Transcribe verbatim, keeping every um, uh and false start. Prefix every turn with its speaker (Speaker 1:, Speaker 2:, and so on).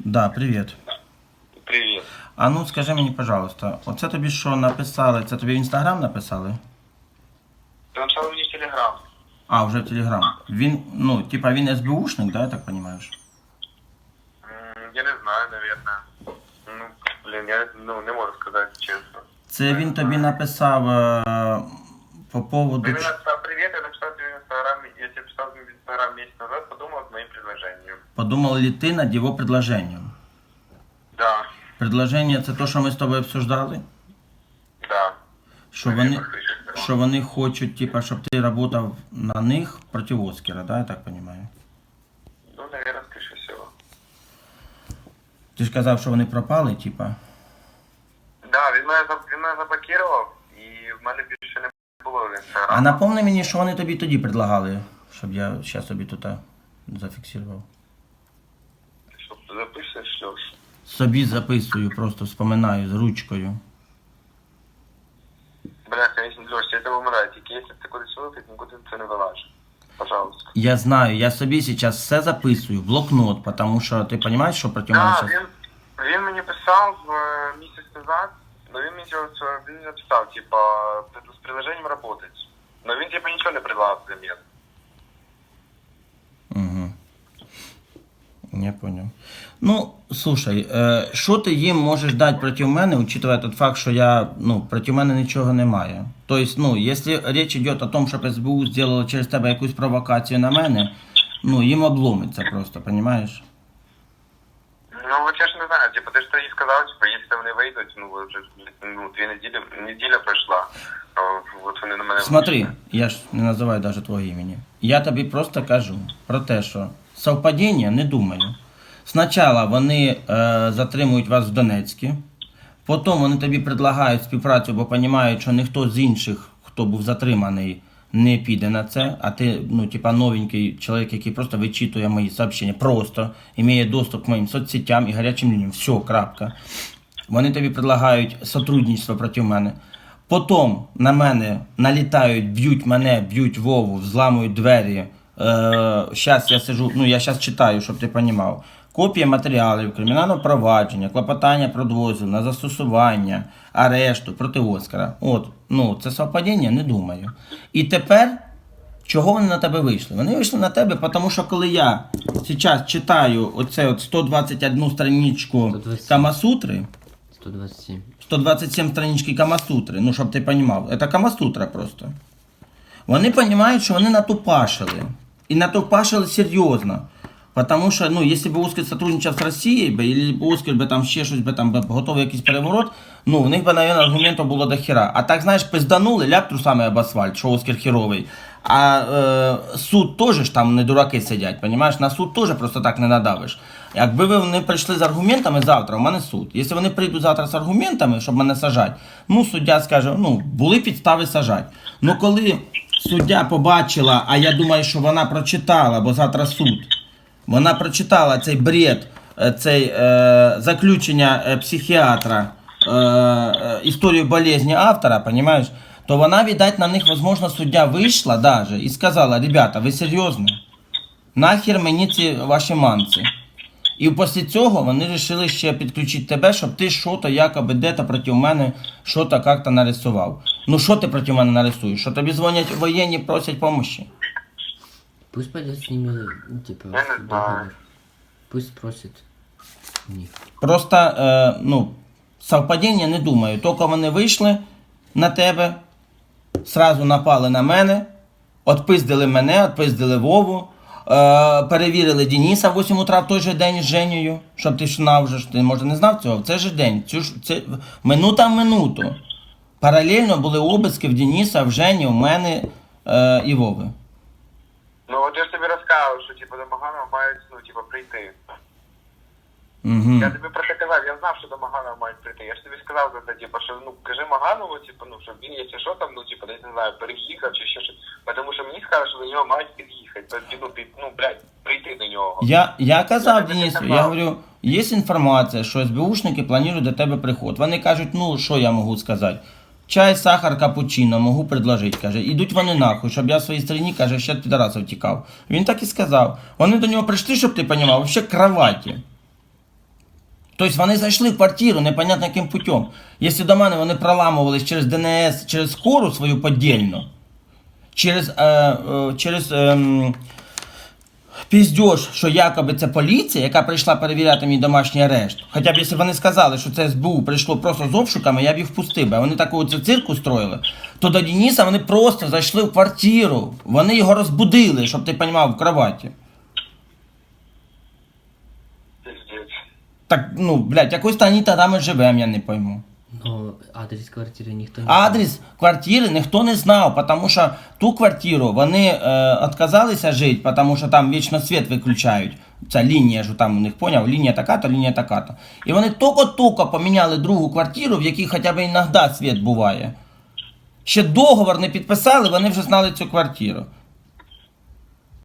Speaker 1: Да, привіт.
Speaker 2: Привіт.
Speaker 1: А ну скажи мені, пожалуйста, оце тобі що написали? Це тобі в інстаграм написали?
Speaker 2: Ти написав мені в Телеграм.
Speaker 1: А, вже в Телеграм. Він, ну, типа він ес бе ушник, да, я так понимаєш?
Speaker 2: М, Я не знаю, наверное. Ну, блін, я ну, не можу сказати чесно.
Speaker 1: Це він тобі написав е, по поводу...
Speaker 2: Ти мені
Speaker 1: ч-
Speaker 2: написав привіт, я написав тобі в Інстаграм, я тебе писав в Інстаграм місяць назад, подумав з моїм предложенням.
Speaker 1: Подумав ли ти над його предложенням?
Speaker 2: Да,
Speaker 1: Предложення це то, що ми з тобою обсуждали?
Speaker 2: да.
Speaker 1: Що вони, що вони хочуть, типа, щоб ти працював на них проти Оскара, да, я так розумію?
Speaker 2: Ну, наверное, скоріше всього.
Speaker 1: Ти ж казав, що вони пропали, типа.
Speaker 2: Да, він мене, заб- він мене заблокував, і в мене більше не було в
Speaker 1: А
Speaker 2: Інстаграм.
Speaker 1: напомни мені, що вони тобі тоді предлагали, щоб я зараз собі тут а, зафіксував.
Speaker 2: Що, ти записуєш, Льош?
Speaker 1: Собі записую, просто вспоминаю з ручкою.
Speaker 2: Бля, конечно, Льош, я тебе умираю, тільки якщо ти кудись вилетить, нікуди це не вилажиш. Пожалуйста.
Speaker 1: Я знаю, я собі зараз все записую в блокнот, тому що ти розумієш, що проти мене
Speaker 2: Да,
Speaker 1: зараз...
Speaker 2: він, він мені писав е, місяць назад, но він мені цього- цього- він написав, типа, з приложением работать. Но він типа нічого не предлагав взамін.
Speaker 1: Угу. Я понял. Ну, слушай, е, що ти їм можеш дати проти мене, учитывая тот факт, що я, ну, проти мене нічого немає. Тобто, ну, якщо річ йде о том, щоб ес бе у зробило через тебе якусь провокацію на мене, ну, їм обломиться просто, розумієш?
Speaker 2: Ну, от я ж не знаю, типа, ти ж тоді сказав, типа, якщо вони вийдуть, ну, вже ну, дві неділі, неділя пройшла, а от вони на мене
Speaker 1: Смотри,
Speaker 2: вийшли.
Speaker 1: я ж не називаю навіть твого імені. Я тобі просто кажу про те, що совпадіння не думаю. Спочатку вони е, затримують вас в Донецьку, потім вони тобі предлагають співпрацю, бо розуміють, що ніхто з інших, хто був затриманий, не піде на це, а ти, ну, типа, новенький чоловік, який просто вичитує мої сообщення, просто має доступ к моїм соцсетям і гарячим лініям. Все, крапка. Вони тобі предлагають сотрудничество проти мене. Потім на мене налітають, б'ють мене, б'ють Вову, взламують двері. Зараз я сижу, ну я зараз читаю, щоб ти розумів. Копія матеріалів, кримінального провадження, клопотання про дозвіл на застосування, арешту проти Оскара. От, ну, це совпадіння, не думаю. І тепер, чого вони на тебе вийшли? Вони вийшли на тебе, тому що коли я зараз читаю оце от сто двадцять одну страничку
Speaker 3: сто двадцять.
Speaker 1: Камасутри,
Speaker 3: сто двадцать семь.
Speaker 1: сто двадцять сім странички Камасутри, ну, щоб ти розумів, це Камасутра просто. Вони розуміють, що вони натупашили. І натупашили серйозно. Потому що, ну, якщо б Оскар сотрудничав з Росією, або Оскар би там ще щось би там би готовий якийсь переворот, ну, у них би, мабуть, аргументів було до хіра. А так, знаєш, пизданули, ляп трусами об асфальт, що Оскар херовий. А е, суд теж ж там не дураки сидять, понімаєш? На суд теж просто так не надавиш. Якби вони прийшли з аргументами завтра, у мене суд. Якщо вони прийдуть завтра з аргументами, щоб мене сажати, ну, суддя скаже, ну, були підстави сажати. Ну, коли суддя побачила, а я думаю, що вона прочитала, бо завтра суд, вона прочитала цей бред, цей е, заключення е, психіатра, е, е, історію болезні автора, понимаєш, то вона, видать, на них, можливо, суддя вийшла даже і сказала, ребята, ви серйозно? Нахер мені ці ваші манці? І після цього вони вирішили ще підключити тебе, щоб ти що-то якоби де-то проти мене, що-то як-то нарисував. Ну що ти проти мене нарисуєш? Що тобі дзвонять воєнні, просять допомоги?
Speaker 3: Пусть пойдет с ними, ну, типа,
Speaker 2: Я не
Speaker 3: в
Speaker 2: знаю.
Speaker 3: договор. Пусть просит у них.
Speaker 1: Просто, е, ну, совпадіння не думаю. Тільки вони вийшли на тебе, сразу напали на мене, отпиздили мене, отпиздили Вову, е, перевірили Дениса в вісім утра в той же день з Женєю, щоб ти ж знав, вже ж, ти може не знав цього, в цей же день, цю ж, це, минута в минуту. Паралельно були обиски в Дениса, в Жені, в мене е, і Вови.
Speaker 2: Ну, от я ж тобі розказав, що, типа, до Маганова мають, ну, типа, прийти.
Speaker 1: Угу.
Speaker 2: Я тобі про це казав, я знав, що до Маганова мають прийти. Я ж тобі сказав за це, типу, що ну кажи Маганову, типу, ну щоб він, якщо що там, ну типу, десь не знаю, переїхав чи ще щось. Тому що мені сказали, що до нього мають під'їхати, під, ну, під, ну, блядь, прийти до нього.
Speaker 1: Я, я казав
Speaker 2: Я тобі
Speaker 1: Денису,
Speaker 2: казав.
Speaker 1: я говорю, є інформація, що ес бе ушники планують до тебе приход. Вони кажуть, ну що я можу сказати? Чай, сахар, капучино, можу предложити, каже. Ідуть вони нахуй, щоб я в своїй стороні, каже, ще від підарасів тікав. Він так і сказав. Вони до нього прийшли, щоб ти розумів, взагалі кроваті. Тобто вони зайшли в квартиру непонятно яким путем. Якщо до мене вони проламувались через ДНС, через скору свою подільну, через, е, е, через е, піздьош, що якоби це поліція, яка прийшла перевіряти мій домашній арешт. Хоча б якщо вони сказали, що це СБУ прийшло просто з обшуками, я б їх впустив. А вони таку оце цирку строїли. То до Дениса вони просто зайшли в квартиру. Вони його розбудили, щоб ти розумів, в кроваті.
Speaker 2: Пиздец.
Speaker 1: Так, ну, блядь, якось то вони тоді ми живемо, я не пойму.
Speaker 3: Но адрес квартиры никто не
Speaker 1: Адрес квартири ніхто не знав, тому що ту квартиру вони е, відказалися жити, тому що там вічно світ виключають. Ця лінія ж там у них, поняв, лінія така-то, лінія така-то. І вони тільки-тільки поміняли другу квартиру, в якій хоча б іноді світ буває. Ще договор не підписали, вони вже знали цю квартиру.